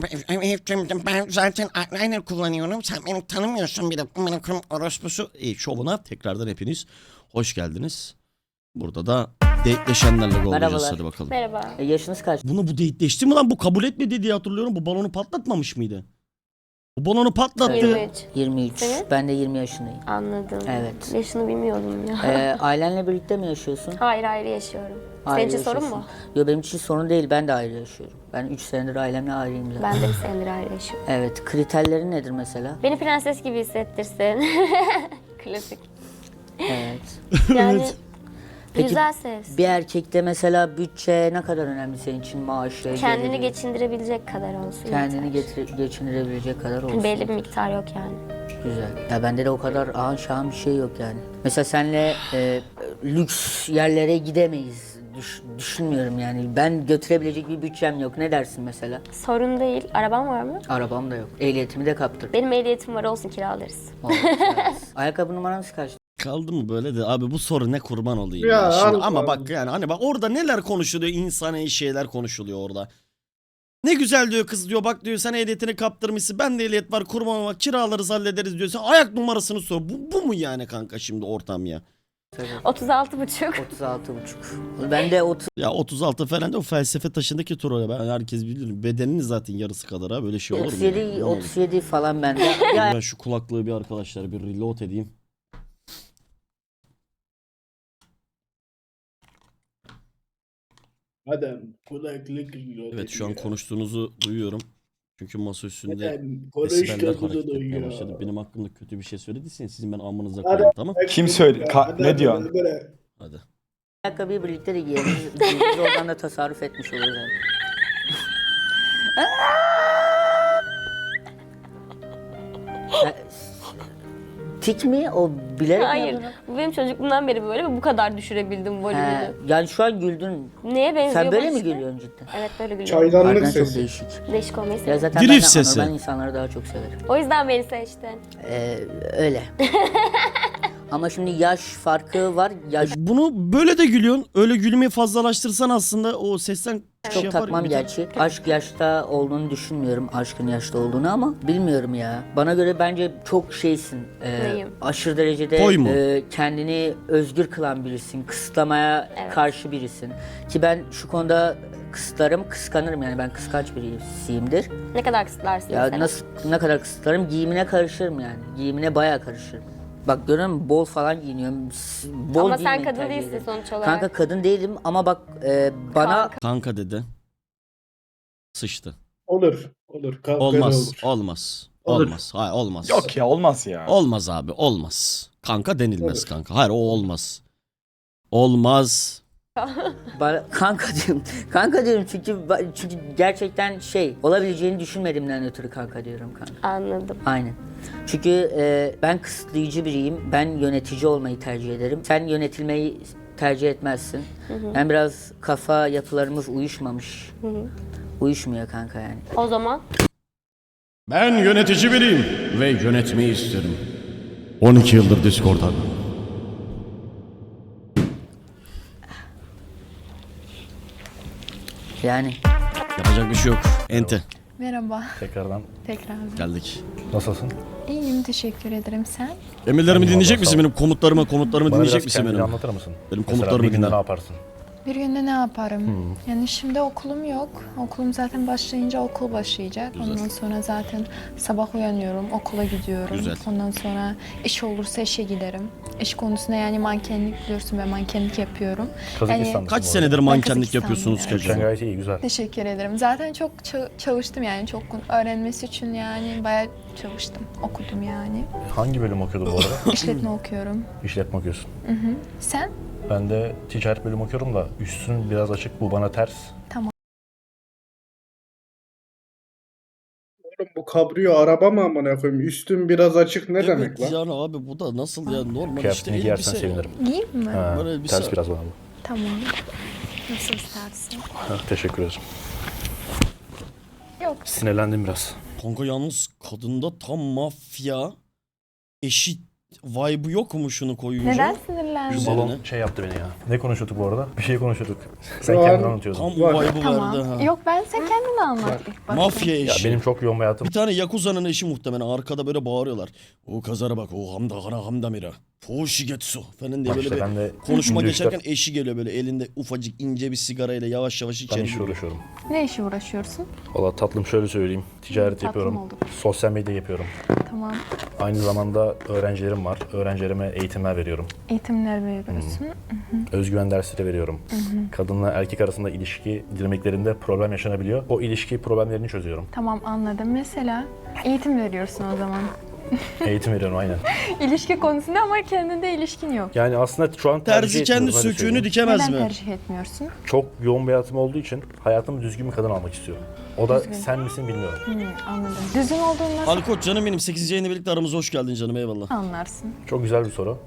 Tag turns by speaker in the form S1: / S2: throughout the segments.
S1: Ben zaten eyeliner kullanıyorum. Sen beni tanımıyorsun bir de. Benim kırım orospusu.
S2: Şovuna tekrardan hepiniz hoş geldiniz. Burada da dateleşenlerle olacağız.
S3: Merhabalar.
S2: Hadi bakalım.
S4: Merhaba.
S3: Yaşınız kaç?
S2: Bu dateleşti mi lan? Bu kabul etmedi diye hatırlıyorum. Bu balonu patlatmamış mıydı? Bu balonu patlattı.
S4: 23.
S3: 23.
S4: Senin?
S3: Ben de 20 yaşındayım.
S4: Anladım.
S3: Evet.
S4: Yaşını bilmiyordum ya.
S3: Ailenle birlikte mi yaşıyorsun?
S4: Hayır ayrı yaşıyorum.
S3: Ayrı
S4: Senin için sorun
S3: yaşıyorsun.
S4: mu?
S3: Yok benim için sorun değil. Ben de ayrı yaşıyorum. Ben 3 senedir ailemle ayrıyım zaten.
S4: Ben de bir senedir ayrı yaşıyorum.
S3: Evet. Kriterleri nedir mesela?
S4: Beni prenses gibi hissettirsin. Klasik.
S3: Evet.
S4: Yani
S3: Peki,
S4: güzel sevsin.
S3: Bir erkekte mesela bütçe ne kadar önemli senin için? Maaşı,
S4: Kendini
S3: geliri,
S4: geçindirebilecek kadar olsun.
S3: kendini
S4: yeter.
S3: geçindirebilecek kadar olsun.
S4: Belli bir miktar yok yani.
S3: Güzel. Ya bende de o kadar ağın şahın bir şey yok yani. Mesela senle lüks yerlere gidemeyiz. Düşünmüyorum yani. Ben götürebilecek bir bütçem yok. Ne dersin mesela?
S4: Sorun değil. Araban var mı?
S3: Arabam da yok. Ehliyetimi de kaptırdım.
S4: Benim ehliyetim var olsun kiralarız.
S3: Ayakkabı numaranız kaç?
S2: Kaldı mı böyle de abi bu soru ne kurban olayım
S5: Ya
S2: ya, şimdi.
S5: Allah
S2: Ama
S5: Allah.
S2: bak yani hani bak orada neler konuşuluyor, insani şeyler konuşuluyor orada. Ne güzel diyor kız, diyor bak diyor sen ehliyetini kaptırmışsın, ben de ehliyet var, kurban var, kiralarız hallederiz diyor. Sen ayak numarasını sor. Bu mu yani kanka şimdi ortam ya?
S4: 36,5.
S3: 36,5. Ben de 30.
S2: Ya 36 falan da o felsefe taşındaki tur, ben herkes bilir. Bedeninin zaten yarısı kadar ha, böyle şey olur mu?
S3: 37,
S2: ya? Ne olur?
S3: 37 falan bende. Ya
S2: Ben şu kulaklığı bir arkadaşlar bir reload edeyim.
S5: Adam kulaklık yiyor.
S2: Evet şu an konuştuğunuzu duyuyorum. Çünkü masa üstünde
S5: Adam
S2: desibeller hareket
S5: konuştuğumuzu
S2: etmeye
S5: duyuyor.
S2: başladı. Benim hakkımda kötü bir şey söylediyseniz sizin ben amınıza
S5: Adam-
S2: koyayım, tamam?
S6: Kim söyle- ne diyorsun?
S2: Hadi.
S3: ayakkabıyı birlikte de giyeriz. Biz oradan da tasarruf etmiş oluruz yani. Tik mi? O bilerek mi
S4: Hayır.
S3: yapıyorsun?
S4: Bu benim çocukluğumdan beri böyle ve bu kadar düşürebildim volümünü.
S3: Yani şu an güldün.
S4: Neye benziyor
S3: Sen böyle
S4: bu
S3: mi
S4: işte?
S3: gülüyorsun cidden?
S4: Evet böyle gülüyorum.
S5: Çaydanlık
S3: Harbiden çok
S5: sesi.
S3: değişik.
S4: Değişik olmayı
S3: Ya
S4: seviyorum.
S3: zaten
S2: Drift
S3: ben de
S2: sesi.
S3: anormal insanları daha çok severim.
S4: O yüzden beni seçtin.
S3: Öyle. Ama şimdi yaş farkı var. Yaş
S2: Bunu böyle de gülüyorsun. Öyle gülmeyi fazlalaştırsan aslında o sesten
S3: çok
S2: şey yapar.
S3: takmam
S2: bir-
S3: gerçi. Aşk yaşta olduğunu düşünmüyorum. Aşkın yaşta olduğunu ama bilmiyorum ya. Bana göre bence çok şeysin.
S4: Neyim?
S3: Aşırı derecede
S2: Toy mu?
S3: kendini özgür kılan birisin. Kısıtlamaya
S4: Evet.
S3: karşı birisin. Ki ben şu konuda kısıtlarım, kıskanırım yani ben kıskanç birisiyimdir.
S4: Ne kadar kısıtlarsın
S3: Ya
S4: mesela?
S3: nasıl ne kadar kısıtlarım giyimine karışırım yani. Giyimine bayağı karışırım. Bak görüyor musun bol falan giyiniyorum. Bol
S4: Ama sen
S3: giyinmeyi
S4: kadın
S3: tercih
S4: değilsin
S3: ederim.
S4: sonuç olarak.
S3: Kanka kadın değilim ama bak bana
S2: Kanka dedi. Sıçtı.
S5: Olur. Olur. Kavga
S2: Olmaz.
S5: olur.
S2: Olmaz.
S5: Olur.
S2: Olmaz. Hayır olmaz.
S6: Yok ya olmaz ya.
S2: Olmaz abi, olmaz. Kanka denilmez
S5: Olur.
S2: kanka. Hayır o olmaz. Olmaz.
S3: kanka diyorum. Kanka diyorum çünkü gerçekten şey olabileceğini düşünmediğimden ötürü kanka diyorum kanka.
S4: Anladım.
S3: Aynen. Çünkü ben kısıtlayıcı biriyim. Ben yönetici olmayı tercih ederim. Sen yönetilmeyi tercih etmezsin. Ben biraz kafa yapılarımız uyuşmamış. Uyuşmuyor kanka yani.
S4: O zaman
S2: Ben yönetici biriyim ve yönetmeyi isterim. 12 yıldır Discord'dan.
S3: Yani
S2: Yapacak bir şey yok. Ente.
S7: Merhaba,
S6: Tekrardan
S7: tekrardan.
S2: Geldik.
S6: nasılsın?
S7: İyiyim, teşekkür ederim. Sen?
S2: Emirlerimi
S6: Eyvallah,
S2: dinleyecek
S6: sağ
S2: misin
S6: ol.
S2: benim komutlarımı
S6: Bana
S2: dinleyecek
S6: biraz
S2: misin
S6: kendini
S2: benim?
S6: anlatır mısın?
S2: Benim
S6: Mesela
S2: komutlarımı
S6: bir günde
S2: dinle.
S6: ne yaparsın?
S7: Bir günde ne yaparım? Yani şimdi okulum yok. Okulum zaten başlayınca okul başlayacak.
S2: Güzel.
S7: Ondan sonra zaten sabah uyanıyorum, okula gidiyorum.
S2: Güzel.
S7: Ondan sonra iş olursa işe giderim. İş konusunda yani mankenlik biliyorsun, ben mankenlik yapıyorum.
S6: Kazakistan'dasın
S2: Kaç
S6: bu arada.
S2: senedir mankenlik
S7: Kazakistan'dayım,
S2: yapıyorsunuz
S7: evet.
S6: Sen
S2: kacım?
S6: gayet iyi, güzel.
S7: Teşekkür ederim. Zaten çok çalıştım yani çok öğrenmesi için yani bayağı çalıştım, okudum yani.
S6: Hangi bölüm okuyordun bu arada?
S7: İşletme okuyorum.
S6: İşletme okuyorsun.
S7: Sen?
S6: Ben de ticaret bölümü okuyorum da üstün biraz açık, bu bana ters.
S5: Oğlum bu kabrio araba mı amına koyayım? Üstün biraz açık ne demek
S2: Evet
S5: lan?
S2: yani abi bu da nasıl ya, normal işte
S6: Kıyafetini giyersen
S2: elbise.
S6: sevinirim.
S7: Giyeyim mi?
S6: Ha,
S2: Böyle elbise-
S6: ters biraz bana bu.
S7: Tamam. Nasıl istersin?
S6: Ha, teşekkür ederim.
S7: Yok.
S6: Sinirlendim biraz.
S2: Kanka yalnız kadında tam mafya, eşit vibe'ı yok mu şunu koyunca?
S7: Neden
S6: Şu
S7: sinirlendin?
S2: Üzerine.
S6: balon şey yaptı beni ya. Ne konuşuyorduk bu arada? Bir şey konuşuyorduk. Sen
S5: Şu an-
S6: kendin anlatıyordun.
S2: Tam
S5: Var.
S2: vibe'ı vardı ha.
S7: Tamam. Yok ben sen kendin anlat ilk başta.
S2: Mafya
S6: Ya
S2: eşi.
S6: benim çok yoğun bir hayatım.
S2: Bir tane Yakuza'nın eşi muhtemelen arkada böyle bağırıyorlar. O kazara bak o hamda hana hamda mira. Fushigetsu falan diye
S6: Bak
S2: böyle
S6: işte
S2: bir
S6: ben de
S2: konuşma
S6: günde
S2: geçerken eşi geliyor böyle elinde ufacık ince bir sigarayla yavaş yavaş
S6: ben
S2: içeri
S6: işle
S2: giriyor.
S6: uğraşıyorum.
S7: Ne işe uğraşıyorsun?
S6: Valla tatlım şöyle söyleyeyim. Ticaret
S7: Tatlım
S6: yapıyorum.
S7: oldu.
S6: Sosyal medya yapıyorum.
S7: Tamam.
S6: Aynı zamanda öğrencilerim var. Öğrencilerime eğitimler veriyorum.
S7: Eğitimler veriyorsun.
S6: Özgüven dersleri veriyorum. Kadınla erkek arasında ilişki dinamiklerinde problem yaşanabiliyor. O ilişki problemlerini çözüyorum.
S7: Tamam anladım. Mesela eğitim veriyorsun o zaman.
S6: Eğitim veriyorum aynen.
S7: İlişki konusunda ama kendinde ilişkin yok.
S6: Yani aslında şu an
S2: Terzi kendi
S6: etmiyorum, öyle
S2: söküğünü
S6: söyleyeyim.
S2: dikemez
S7: Neden
S2: mi?
S7: tercih etmiyorsun?
S6: Çok yoğun bir hayatım olduğu için hayatımı düzgün bir kadın almak istiyorum. O da sen misin bilmiyorum.
S7: Anladım. Düzgün olduğunu nasıl
S2: Alkoç canım benim 8. yayını birlikte aramıza hoş geldin canım eyvallah.
S7: anlarsın?
S6: Çok güzel bir soru.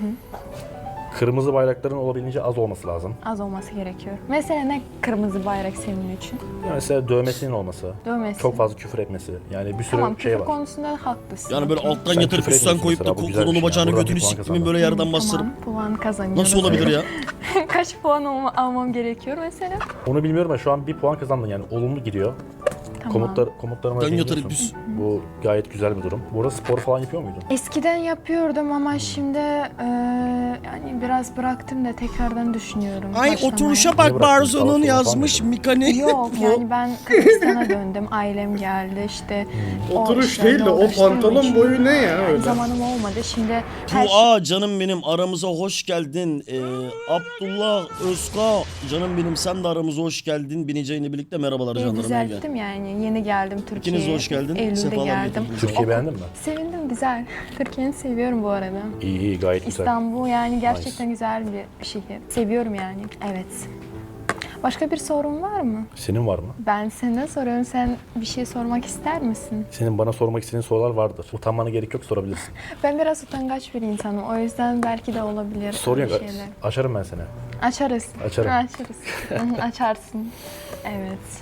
S6: Kırmızı bayrakların olabildiğince az olması lazım.
S7: Az olması gerekiyor. Mesela ne kırmızı bayrak senin için?
S6: Yani mesela dövmesinin olması,
S7: Dövmesi.
S6: çok fazla küfür etmesi. Yani bir sürü
S7: Tamam
S6: şey
S7: küfür
S6: var.
S7: konusunda haklısın.
S2: Yani böyle
S7: Okey.
S2: alttan
S6: Sen
S2: yatırıp
S6: küfür
S2: üstten
S6: etmiyorsun
S2: koyup da
S6: mesela, bu güzel bir
S2: kolunu
S6: şey.
S2: bacağını
S6: Buradan
S2: götünü
S6: bir puan
S2: siktimin
S6: kazandın.
S2: böyle yerden bastırıp.
S7: Tamam puan kazanıyorum.
S2: Nasıl olabilir ya?
S7: Kaç puan almam gerekiyor mesela?
S6: Onu bilmiyorum ama şu an bir puan kazandın yani olumlu gidiyor.
S7: Tamam.
S6: Komutlarıma
S2: Dön
S6: dinliyorsun.
S2: yatırıp üst.
S6: Bu gayet güzel bir durum. Burada spor falan yapıyor muydun?
S7: Eskiden yapıyordum ama şimdi yani biraz bıraktım da tekrardan düşünüyorum.
S2: Ay
S7: başlamaya.
S2: oturuşa
S6: Niye
S2: bak
S6: bıraktın?
S2: Barzo'nun
S6: Sağ ol,
S2: yazmış
S6: falan
S2: Mikani.
S7: Yok yani ben Kazakistan'a döndüm. Ailem geldi işte. o
S5: Oturuş
S7: işlerle
S5: değil de o
S7: uğraştığım
S5: pantolon
S7: için
S5: boyu ne ya öyle?
S7: zamanım olmadı. Şimdi her şey
S2: Aa canım benim aramıza hoş geldin. Abdullah Özka canım benim sen de aramıza hoş geldin. Bineceğini birlikte merhabalar canlarım. iyi gel.
S7: düzelttim yani. Yeni geldim Türkiye'ye.
S2: İkiniz de hoş geldin.
S7: Eylül'de
S2: Sefalar
S7: geldim.
S2: getirdiniz.
S6: Türkiye beğendin mi?
S7: Sevindim güzel. Türkiye'yi seviyorum bu arada.
S6: İyi iyi gayet güzel.
S7: İstanbul yani gerçekten güzel bir şehir. Seviyorum yani. Evet. Başka bir sorun var mı?
S6: Senin var mı?
S7: Ben senden soruyorum. Sen bir şey sormak ister misin?
S6: Senin bana sormak istediğin sorular vardır. Utanmana gerek yok, sorabilirsin.
S7: Ben biraz utangaç bir insanım. O yüzden belki de olabilir.
S6: Sorun yok.
S7: öyle şeyler.
S6: Açarım ben seni.
S7: Açarız.
S6: Açarım.
S7: Açarız. Hı, açarsın. Evet.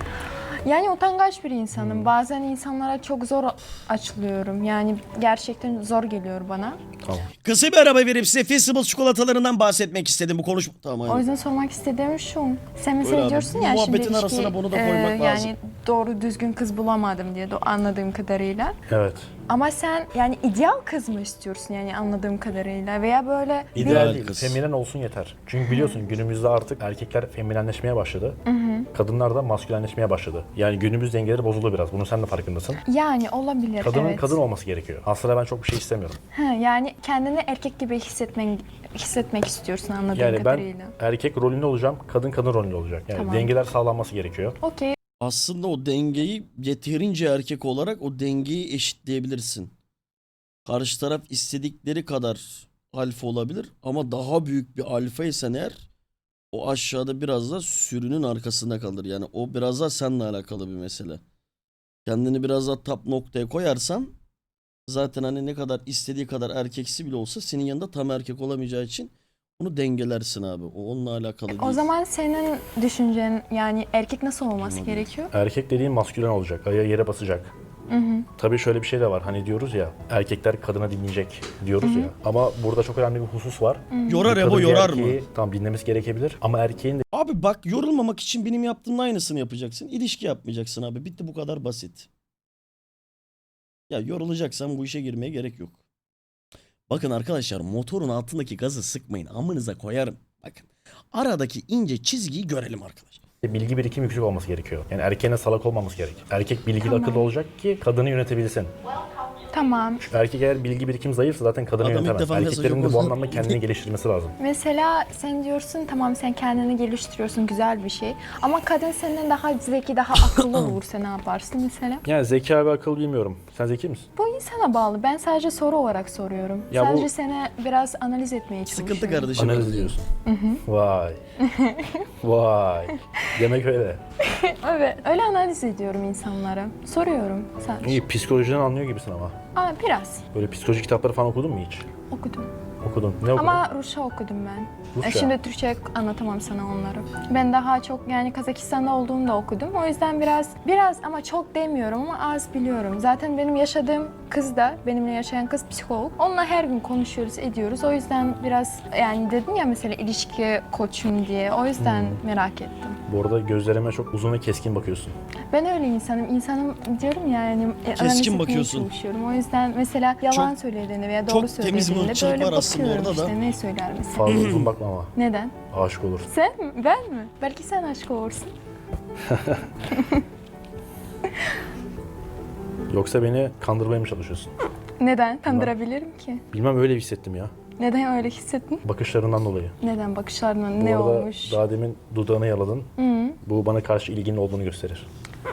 S7: Yani utangaç bir insanım. Bazen insanlara çok zor açılıyorum. Yani gerçekten zor geliyor bana.
S6: Tamam.
S2: Kısa bir araba verip size Festival çikolatalarından bahsetmek istedim bu konuşma. Tamam
S7: O
S2: aynen.
S7: yüzden sormak istediğim şu. Sen mesela
S2: Öyle abi.
S7: diyorsun
S2: Bu
S7: ya şimdi
S2: muhabbetin
S7: ilişki,
S2: arasına bunu da koymak lazım.
S7: Yani doğru düzgün kız bulamadım diye anladığım kadarıyla.
S6: Evet.
S7: Ama sen yani ideal kız mı istiyorsun yani anladığım kadarıyla veya böyle
S6: İdeal değil.
S2: kız.
S6: Feminen olsun yeter. Çünkü biliyorsun günümüzde artık erkekler feminenleşmeye başladı. Kadınlar da maskülenleşmeye başladı. Yani günümüz dengeleri bozuldu biraz. Bunun sen de farkındasın.
S7: yani olabilir
S6: Kadının
S7: evet.
S6: kadın olması gerekiyor. Aslında ben çok bir şey istemiyorum.
S7: Ha, yani kendini erkek gibi hissetmek istiyorsun anladığım
S6: Yani ben
S7: kadarıyla.
S6: erkek rolünde olacağım, kadın rolünde olacak. Yani
S7: Tamam.
S6: dengeler sağlanması gerekiyor.
S7: Okey.
S2: Aslında o dengeyi yeterince erkek olarak o dengeyi eşitleyebilirsin. Karşı taraf istedikleri kadar alfa olabilir ama daha büyük bir alfa isen eğer o aşağıda biraz da sürünün arkasında kalır. Yani o biraz da seninle alakalı bir mesele. Kendini biraz daha top noktaya koyarsan zaten hani ne kadar istediği kadar erkeksi bile olsa senin yanında tam erkek olamayacağı için onu dengelersin abi. O onunla alakalı değil.
S7: O zaman senin düşüncen yani erkek nasıl olması gerekiyor?
S6: Erkek dediğin maskülen olacak, ayağı yere basacak. Tabii şöyle bir şey de var. Hani diyoruz ya erkekler kadına dinleyecek diyoruz ya. Ama burada çok önemli bir husus var.
S2: Yorar
S6: Bir
S2: Ebo
S6: kadın bir
S2: yorar mı?
S6: erkeği tam dinlemesi gerekebilir ama erkeğin de
S2: Abi bak yorulmamak için benim yaptığımın aynısını yapacaksın. İlişki yapmayacaksın abi. Bitti bu kadar basit. Ya yorulacaksan bu işe girmeye gerek yok. Bakın arkadaşlar motorun altındaki gazı sıkmayın. Amınıza koyarım. Bakın aradaki ince çizgiyi görelim arkadaşlar.
S6: bilgi birikimi yüksek olması gerekiyor. Yani erkeğine salak olmaması gerek. Erkek bilgili akıllı olacak ki kadını yönetebilsin.
S7: Tamam.
S6: Erkek eğer bilgi birikim zayıfsa zaten kadını
S2: Adam ilk
S6: yönetemez.
S2: defa mesaj
S6: Erkeklerin de bu
S2: okudu.
S6: anlamda kendini geliştirmesi lazım.
S7: Mesela sen diyorsun tamam sen kendini geliştiriyorsun güzel bir şey. Ama kadın senden daha zeki, daha akıllı olursa ne yaparsın mesela?
S6: Yani zeka ve akıl bilmiyorum. Sen zeki misin?
S7: Bu insana bağlı. Ben sadece soru olarak soruyorum.
S6: Ya
S7: sadece
S6: bu-
S7: seni biraz analiz etmeye çalışıyorum.
S2: Sıkıntı kardeşim.
S6: Analiz ediyorsun. Vay. Vay. Demek öyle.
S7: Evet, öyle analiz ediyorum insanlara. Soruyorum sadece.
S6: İyi psikolojiden anlıyor gibisin ama.
S7: Aa, biraz
S6: Böyle psikoloji kitapları falan okudun mu hiç?
S7: okudum.
S6: Okudun. Ne okudun?
S7: Ama Rusça okudum ben.
S6: Rusça.
S7: Şimdi Türkçe anlatamam sana onları. Ben daha çok yani Kazakistan'da olduğumda okudum. O yüzden biraz ama çok demiyorum ama az biliyorum. Zaten benim yaşadığım kız da, benimle yaşayan kız psikolog. Onunla her gün konuşuyoruz, ediyoruz. O yüzden biraz yani dedin ya mesela ilişki koçum diye. O yüzden merak ettim.
S6: Bu arada gözlerime çok uzun ve keskin bakıyorsun.
S7: Ben öyle insanım. İnsanım diyorum ya yani analiz etmeye
S2: bakıyorsun.
S7: çalışıyorum. O yüzden mesela yalan söylediğini veya doğru
S2: çok temiz bir
S7: söylediğinde
S2: ırkçılık
S7: böyle
S2: var aslında
S7: bakıyorum
S2: orada da.
S7: işte ne söyler mesela.
S6: Fazla uzun bakma ama.
S7: Neden?
S6: Aşık olursun.
S7: Sen mi? Ben mi? Belki sen aşık olursun.
S6: Yoksa beni kandırmaya mı çalışıyorsun?
S7: Neden? Kandırabilirim ki.
S6: Bilmem öyle hissettim ya.
S7: Neden öyle hissettin?
S6: Bakışlarından dolayı.
S7: Neden bakışlarına
S6: Bu
S7: ne
S6: arada
S7: olmuş?
S6: daha demin dudağını yaladın.
S7: Hı.
S6: Bu bana karşı ilginin olduğunu gösterir.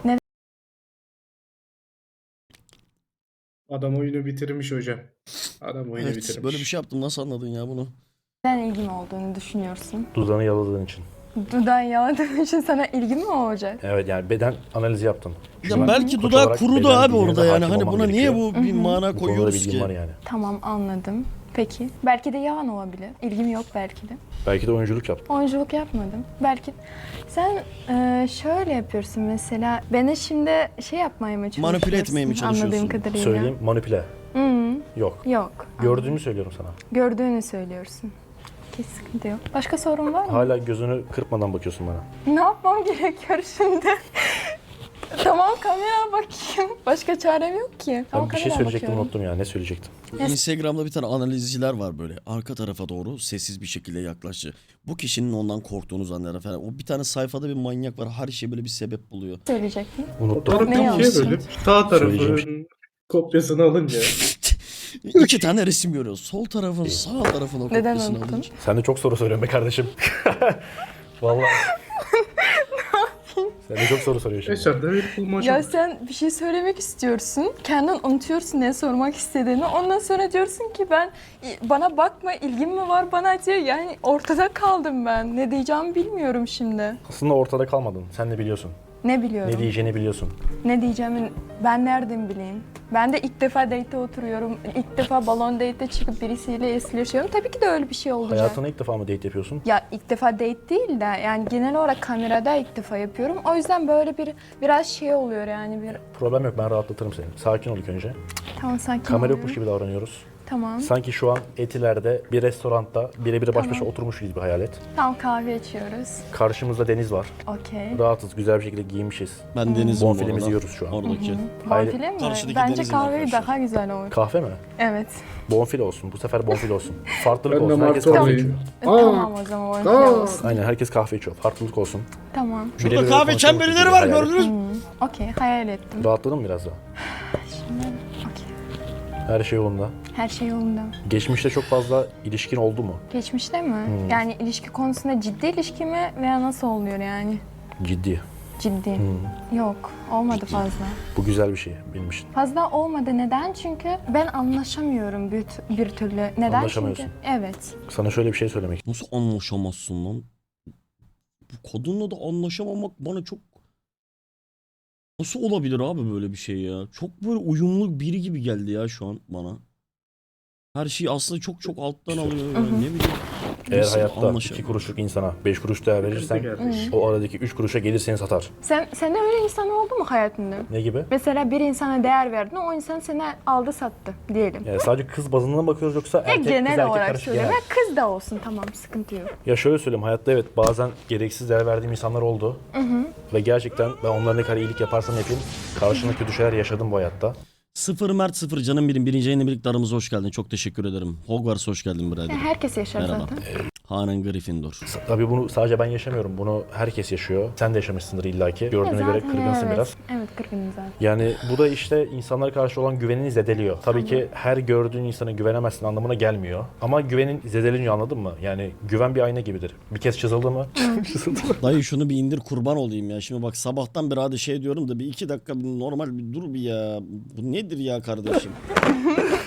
S5: Adam oyunu bitirmiş hocam. Adam oyunu
S2: Evet,
S5: bitirmiş.
S2: böyle bir şey yaptım. Nasıl anladın ya bunu?
S7: Neden ilgim olduğunu düşünüyorsun?
S6: Dudağını yaladığın için.
S7: Dudağın yaladığın için sana ilgim mi olacak?
S6: Evet yani beden analizi yaptın.
S2: Ya
S6: Şimdi ben
S2: belki
S6: koç
S2: dudağı
S6: olarak
S2: kurudu
S6: beden
S2: abi
S6: bilgine
S2: orada
S6: de
S2: yani.
S6: hakim
S2: Hani
S6: olmam
S2: buna niye
S6: gerekiyor.
S2: bu bir mana
S6: Bu konuda da
S2: koyuyoruz
S6: bilgim
S2: ki?
S6: var yani.
S7: Tamam anladım. Peki. Belki de yalan olabilir. İlgim yok belki de.
S6: Belki de oyunculuk yaptın.
S7: Oyunculuk yapmadım. Belki sen şöyle yapıyorsun mesela. Beni şimdi şey yapmaya mı çalışıyorsun?
S2: Manipüle etmeye mi çalışıyorsun?
S7: Anladığım kadarıyla.
S6: Söyleyeyim manipüle.
S7: Hı,
S6: Yok.
S7: yok.
S6: Gördüğümü söylüyorum sana.
S7: Gördüğünü söylüyorsun. Hiç sıkıntı yok. Başka sorun var mı?
S6: Hala gözünü kırpmadan bakıyorsun bana.
S7: Ne yapmam gerekiyor şimdi? Tamam kameraya bakayım. Başka çarem yok ki. Tamam,
S6: Ben bir şey
S7: kameraya
S6: söyleyecektim
S7: bakıyorum.
S6: unuttum ya. Ne söyleyecektim?
S2: Instagram'da bir tane analizciler var böyle. Arka tarafa doğru sessiz bir şekilde yaklaştı. Bu kişinin ondan korktuğunu zanneder falan. O bir tane sayfada bir manyak var. Her şeye böyle bir sebep buluyor.
S7: Söyleyecektin.
S6: Unuttum.
S5: Fotoğraf
S7: Ne
S5: bir
S7: yapsın?
S5: şey böyle sağ
S6: Söyleyeceğim
S5: tarafın kopyasını alınca.
S2: İki tane resim görüyoruz. Sol tarafın, sağ tarafın o
S7: Neden
S2: kopyasını
S7: unuttun?
S2: alınca.
S6: Sen de çok soru soruyorsun be kardeşim. Vallahi. Sen de çok soru soruyorsun.
S5: Eşarda bir bulmaca.
S7: Ya sen bir şey söylemek istiyorsun. Kendin unutuyorsun ne sormak istediğini. Ondan sonra diyorsun ki bana bakma ilgim mi var bana diye. Yani ortada kaldım ben. Ne diyeceğimi bilmiyorum şimdi.
S6: Aslında ortada kalmadın. Sen de biliyorsun.
S7: Ne biliyorum?
S6: Ne diyeceğini biliyorsun.
S7: Ne diyeceğimi ben nereden bileyim? Ben de ilk defa date'e oturuyorum. İlk defa balon date'e çıkıp birisiyle esleşiyorum. Tabii ki de öyle bir şey olacak.
S6: Hayatına ilk defa mı date yapıyorsun?
S7: Ya ilk defa date değil de yani genel olarak kamerada ilk defa yapıyorum. O yüzden böyle biraz şey oluyor yani bir...
S6: Problem yok, ben rahatlatırım seni. Sakin ol ilk önce.
S7: Tamam sakin
S6: Kamera
S7: oluyorum.
S6: yokmuş gibi davranıyoruz.
S7: Tamam.
S6: Sanki şu an Etiler'de bir restoranda birebir baş başa
S7: Tamam.
S6: oturmuş gibi hayal et.
S7: Tamam kahve içiyoruz.
S6: Karşımızda deniz var.
S7: Okey.
S6: Rahatız, güzel bir şekilde giyinmişiz.
S2: Ben denizim bu
S6: Bonfilemizi
S2: arada.
S6: yiyoruz şu an.
S2: Oradaki.
S6: Hayır.
S7: Bonfile mi?
S2: Karşıdaki
S7: Bence
S2: denizin
S7: kahve
S2: arkadaşlar.
S7: daha güzel olur.
S6: Kahve mi?
S7: Evet.
S6: Bonfile olsun. Bu sefer bonfile olsun. Farklılık
S5: Ben de
S6: olsun. Herkes
S5: martı
S6: kahve
S5: alayım.
S6: içiyor.
S7: Tamam o zaman bonfile olsun.
S6: Aynen, herkes kahve içiyor. Farklılık olsun.
S7: Tamam.
S2: Şurada
S6: Birebir
S2: kahve
S6: konuşuyormuş
S2: çemberleri
S6: gibi
S2: var
S6: hayal et.
S2: gördünüz mü?
S7: Okey hayal ettim.
S6: Rahatladın mı biraz daha?
S7: Okey.
S6: Her şey yolunda.
S7: Her şey yolunda.
S6: Geçmişte çok fazla ilişkin oldu mu?
S7: Geçmişte mi? Yani ilişki konusunda ciddi ilişki mi veya nasıl oluyor yani?
S6: Ciddi.
S7: Ciddi. Yok olmadı fazla.
S6: Bu güzel bir şey benim için.
S7: Fazla olmadı. Neden? Çünkü ben anlaşamıyorum bir türlü. Neden?
S6: Anlaşamıyorsun.
S7: Çünkü evet.
S6: Sana şöyle bir şey söylemek
S2: Nasıl anlaşamazsın lan? Bu kadınla da anlaşamamak bana çok... Nasıl olabilir abi böyle bir şey ya? Çok böyle uyumlu biri gibi geldi ya şu an bana. Her şeyi aslında çok çok alttan alıyor. Yani ne bileyim.
S6: Eğer
S2: Nasıl
S6: hayatta
S2: anlaşamam?
S6: 2 kuruşluk insana 5 kuruş değer verirsen
S5: Kardeşim.
S6: o aradaki 3 kuruşa gelir seni satar.
S7: Sen de öyle insan oldu mu hayatında?
S6: Ne gibi?
S7: Mesela bir insana değer verdin, o insan seni aldı sattı diyelim.
S6: Yani sadece kız bazında mı bakıyoruz yoksa
S7: Ya
S6: erkek kız
S7: genel
S6: erkek
S7: olarak
S6: karışık
S7: söylüyorum.
S6: genel.
S7: Ya kız da olsun tamam sıkıntı yok.
S6: Ya şöyle söyleyeyim, hayatta evet bazen gereksiz değer verdiğim insanlar oldu. Ve gerçekten ben onlara ne kadar iyilik yaparsam yapayım karşımda kötü şeyler yaşadım bu hayatta.
S2: Sıfır Mert sıfır canım benim. Birinci yayınla birlikte aramıza hoş geldin. Çok teşekkür ederim. Hogwarts hoş geldin birader.
S7: Ya herkes yaşar
S2: Merhaba.
S7: zaten.
S2: Hanen Gryffindor.
S6: Tabii bunu sadece ben yaşamıyorum. Bunu herkes yaşıyor. Sen de yaşamışsındır illaki. Gördüğüne göre
S7: Zaten
S6: kırgınsın
S7: evet.
S6: biraz.
S7: Evet kırgınım zaten.
S6: Yani bu da işte insanlara karşı olan güvenini zedeliyor. Tabii ki her gördüğün insana güvenemezsin anlamına gelmiyor. Ama güvenin zedeleniyor, anladın mı? Yani güven bir ayna gibidir. Bir kez çizildi mi? Çizildi mi?
S2: Dayı şunu bir indir kurban olayım ya. Şimdi bak sabahtan beri hadi şey diyorum da bir iki dakika bir normal bir dur bir ya. Bu nedir ya kardeşim?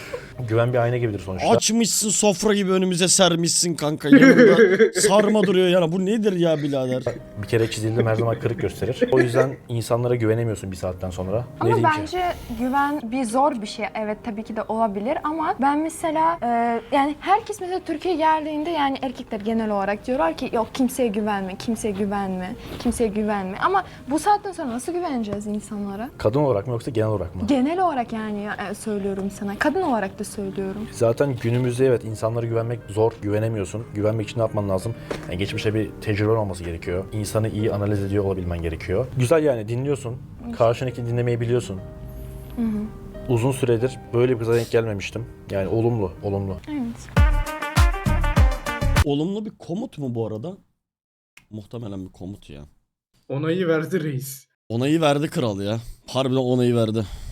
S6: Güven bir ayna gibidir sonuçta.
S2: Açmışsın sofra gibi önümüze sermişsin kanka. Yanında sarma duruyor yani. Bu nedir ya birader?
S6: Bir kere çizildim her zaman kırık gösterir. O yüzden insanlara güvenemiyorsun bir saatten sonra. Ne
S7: Ama
S6: diyeyim ki?
S7: bence güven bir zor bir şey. Evet tabii ki de olabilir ama ben mesela yani herkes mesela Türkiye'ye geldiğinde yani erkekler genel olarak diyorlar ki yok kimseye güvenme, kimseye güvenme, kimseye güvenme. Ama bu saatten sonra nasıl güveneceğiz insanlara?
S6: Kadın olarak mı yoksa genel olarak mı?
S7: Genel olarak yani söylüyorum sana. Kadın olarak da söylüyorum.
S6: Zaten günümüzde evet insanlara güvenmek zor. Güvenemiyorsun. Güvenmek için ne yapman lazım? Yani geçmişte bir tecrüben olması gerekiyor. İnsanı iyi analiz ediyor olabilmen gerekiyor. Güzel yani dinliyorsun. Karşındaki dinlemeyi biliyorsun. Uzun süredir böyle bir kıza denk gelmemiştim. Yani olumlu, olumlu.
S7: Evet.
S2: Olumlu bir komut mu bu arada? Muhtemelen bir komut ya.
S5: Onayı verdi reis.
S2: Onayı verdi kral ya. Harbiden onayı verdi.